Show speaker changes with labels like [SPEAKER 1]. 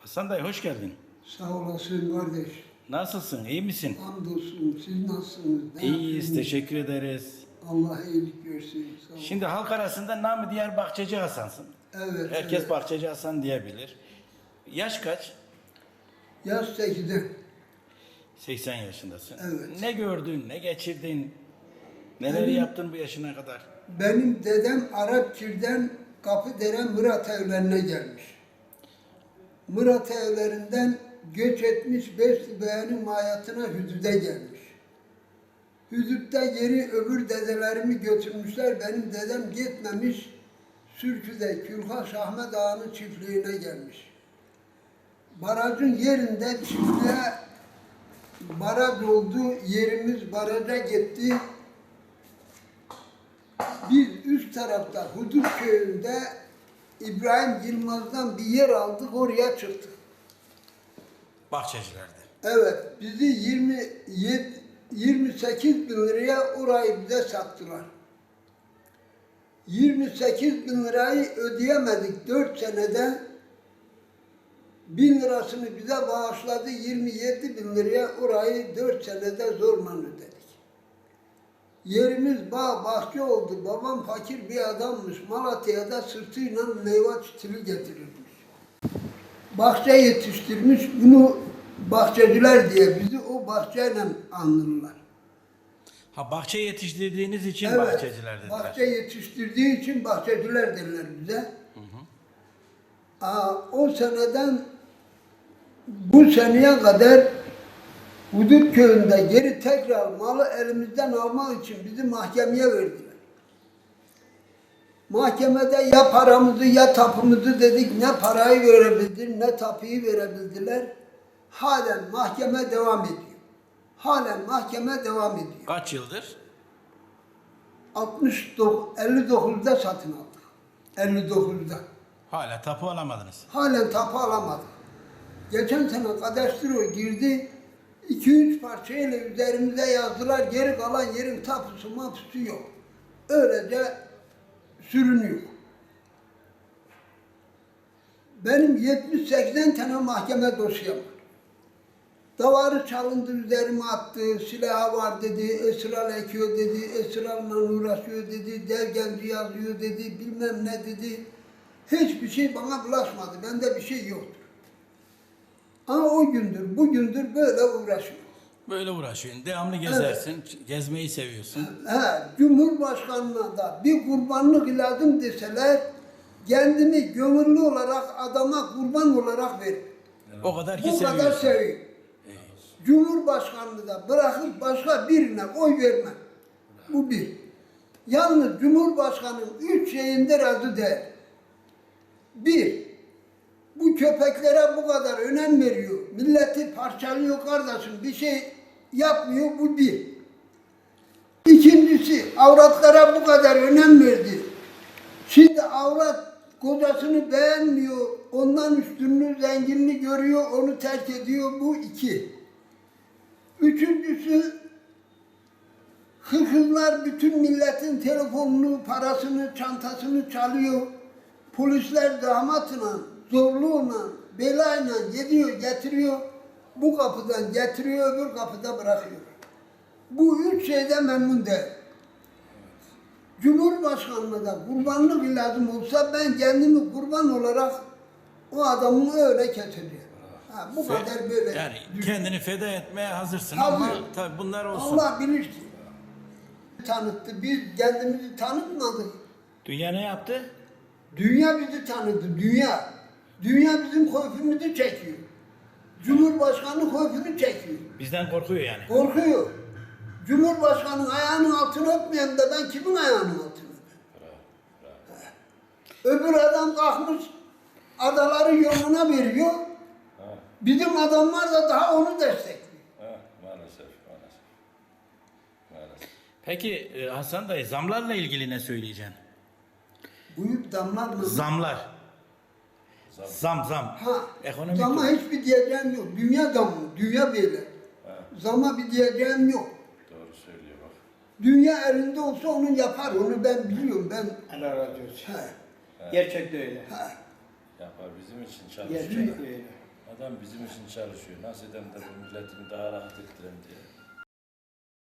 [SPEAKER 1] Hasan dayı hoş geldin.
[SPEAKER 2] Sağ olasın kardeş.
[SPEAKER 1] Nasılsın? İyi misin?
[SPEAKER 2] Hamdolsun. Siz nasılsınız? Ne
[SPEAKER 1] İyiyiz,
[SPEAKER 2] yapıyorsunuz?
[SPEAKER 1] teşekkür ederiz.
[SPEAKER 2] Allah iyilik versin. Sağ olun.
[SPEAKER 1] Şimdi halk arasında namı diğer Bahçeci Hasan'sın.
[SPEAKER 2] Evet.
[SPEAKER 1] Herkes
[SPEAKER 2] evet.
[SPEAKER 1] Bahçeci Hasan diyebilir. Yaş kaç?
[SPEAKER 2] Yaz 8'de.
[SPEAKER 1] 80 yaşındasın.
[SPEAKER 2] Evet.
[SPEAKER 1] Ne gördün, ne geçirdin? Neleri
[SPEAKER 2] Benim-
[SPEAKER 1] yaptın bu yaşına kadar?
[SPEAKER 2] Benim dedem Arapçır'dan Kapıdere Murat evlerine gelmiş. Murat evlerinden göç etmiş Beşlibeğen'in mayatına Hüdüd'e gelmiş. Hüdüd'de geri öbür dedelerimi götürmüşler. Benim dedem gitmemiş. Sürkü'de Külhaş Ahmet Ağa'nın çiftliğine gelmiş. Barajın yerinde çiftliğe baraj oldu. Yerimiz baraja gitti. Biz üst tarafta Hudut köyünde İbrahim Yılmaz'dan bir yer aldık, oraya çıktık.
[SPEAKER 1] Bahçecilerde.
[SPEAKER 2] Evet, bizi 28 bin liraya orayı bize sattılar. 28 bin lirayı ödeyemedik 4 senede. 1000 lirasını bize bağışladı, 27 bin liraya orayı 4 senede zorla ödedik. Yerimiz bağ, bahçe oldu. Babam fakir bir adammış. Malatya'da sırtıyla meyve çitili getirirmiş. Bahçe yetiştirmiş. Bunu bahçeciler diye bizi o bahçeyle anılırlar.
[SPEAKER 1] Ha bahçe yetiştirdiğiniz için
[SPEAKER 2] Evet,
[SPEAKER 1] bahçeciler dediler.
[SPEAKER 2] bahçe yetiştirdiği için bahçeciler derler bize. O seneden bu seneye kadar Hudut köyünde geri tekrar malı elimizden almak için bizi mahkemeye verdiler. Mahkemede ya paramızı ya tapımızı dedik, ne parayı verebildiler ne tapuyu verebildiler. Halen mahkeme devam ediyor. Halen mahkeme devam ediyor.
[SPEAKER 1] Kaç yıldır?
[SPEAKER 2] 59'da satın aldık. 59'da.
[SPEAKER 1] Hala tapu alamadınız.
[SPEAKER 2] Halen tapu alamadık. Geçen sene kadastro girdi. 2-3 parçayla üzerimize yazdılar. Geri kalan yerin tapusu mapusu yok. Öylece sürünüyor. Benim 70-80 tane mahkeme dosyam var. Davarı çalındı, üzerime attı, silahı var dedi, esrar ekiyor dedi, esrarla uğraşıyor dedi, devgenci yazıyor dedi, bilmem ne dedi. Hiçbir şey bana bulaşmadı, bende bir şey yoktur. Ama o gündür, bugündür böyle uğraşıyor.
[SPEAKER 1] Böyle uğraşıyorsun. Devamlı gezersin. Gezmeyi seviyorsun.
[SPEAKER 2] Cumhurbaşkanına da bir kurbanlık lazım deseler, kendimi gönüllü olarak adama kurban olarak verir.
[SPEAKER 1] O kadar ki
[SPEAKER 2] Bu kadar
[SPEAKER 1] seviyorsun.
[SPEAKER 2] seviyor. Cumhurbaşkanlığı da bırakıp başka birine oy vermem. Bu bir. Yalnız Cumhurbaşkanı'nın 3 şeyinde razı değil. Bir, bu köpeklere bu kadar önem veriyor. Milleti parçalıyor kardeşim, bir şey yapmıyor, bu bir. İkincisi, avratlara bu kadar önem verdi. Şimdi avrat kocasını beğenmiyor, ondan üstünlüğü, zenginliği görüyor, onu terk ediyor, bu iki. Üçüncüsü, hırsızlar bütün milletin telefonunu, parasını, çantasını çalıyor. Polisler damatla, zorluğuna, belayla gidiyor, getiriyor. Bu kapıdan getiriyor, öbür kapıda bırakıyor. Bu üç şeyden memnun değil. Cumhurbaşkanlığı da kurbanlık lazım olsa ben kendimi kurban olarak o adamı öyle keseceğim. Bu kadar böyle.
[SPEAKER 1] Yani kendini feda etmeye hazırsın
[SPEAKER 2] Hazır.
[SPEAKER 1] ama tabii bunlar olsun.
[SPEAKER 2] Allah bilir ki. Tanıttı. Biz kendimizi tanıtmadık.
[SPEAKER 1] Dünya ne yaptı?
[SPEAKER 2] Dünya bizi tanıdı. Dünya. Dünya bizim keyfimizi çekiyor. Cumhurbaşkanı keyfini çekiyor.
[SPEAKER 1] Bizden korkuyor yani.
[SPEAKER 2] Korkuyor. Cumhurbaşkanının ayağının altını öpmeyen de ben kimin ayağının altını öpeyim? Öbür adam kalkmış adaları yoluna veriyor. Bizim adamlar da daha onu destekliyor.
[SPEAKER 3] Maalesef.
[SPEAKER 1] Peki Hasan dayı zamlarla ilgili ne söyleyeceksin?
[SPEAKER 2] Buyur damlar mı?
[SPEAKER 1] Zamlar. Zam. Ekonomik.
[SPEAKER 2] Zama hiçbir diyeceğim yok. Dünya zamı, dünya böyle. Zama bir diyeceğim yok.
[SPEAKER 3] Doğru söylüyor bak.
[SPEAKER 2] Dünya elinde olsa onu yapar, onu ben biliyorum.
[SPEAKER 4] Allah razı olsun.
[SPEAKER 2] He,
[SPEAKER 4] Gerçekten öyle.
[SPEAKER 2] he.
[SPEAKER 3] Yapar bizim için çalışıyor.
[SPEAKER 4] Gerçekten öyle.
[SPEAKER 3] Adam bizim için çalışıyor. Nasıl edem de bu milletimi daha rahat ettirem diye.